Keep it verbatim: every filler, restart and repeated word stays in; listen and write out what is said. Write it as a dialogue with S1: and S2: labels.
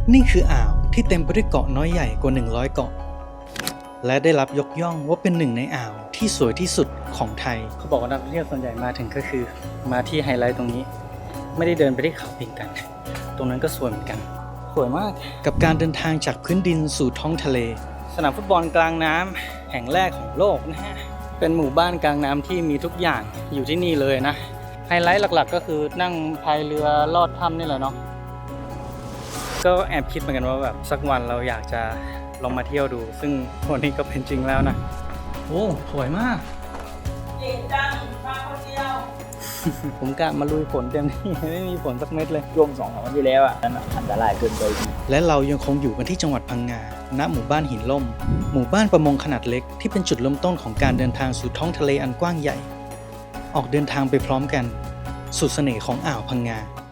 S1: นี่คืออ่าวที่เต็มไปด้วยเกาะน้อยใหญ่กว่าหนึ่งร้อยเกาะและได้รับยกย่องว่าเป็นหนึ่งในอ่าวที่สวยที่สุดของไทยเขาบอกว่านักท่องเที่ยวส่วนใหญ่มาถึงก็คือมาที่ไฮไลท์ตรงนี้ไม่ได้เดินไปที่เขาพิงกันตรงนั้นก็สวยเหมือนกันสวยมากกับการเดินทางจากพื้นดินสู่ท้องทะเลสนามฟุตบอลกลางน้ำแห่งแรกของโลกนะฮะเป็นหมู่บ้านกลางน้ำที่มีทุกอย่างอยู่ที่นี่เลยนะไฮไลท์หลักๆก็คือนั่งพายเรือลอดถ้ำนี่แหละเนาะก็แอบคิดเหมือนกันว่าแบบสักวันเราอยากจะลองมาเที่ยวดูซึ่งวันนี้ก็เป็นจริงแล้วนะโอ้สวยมากเก่งจังมาคนเดียว ผมกะมาลุยฝนเต็มที่ไม่มีฝนสักเม็ดเลย
S2: ช่วงสองสามวันที่แล้วอ่ะนั่นอันตรายเกินไป
S1: และเรายังคงอยู่กันที่จังหวัดพังงาณหมู่บ้านหินล่มหมู่บ้านประมงขนาดเล็กที่เป็นจุดเริ่มต้นของการเดินทางสู่ท้องทะเลอันกว้างใหญ่ออกเดินทางไปพร้อมกันสู่เสน่ห์ของอ่าวพังงา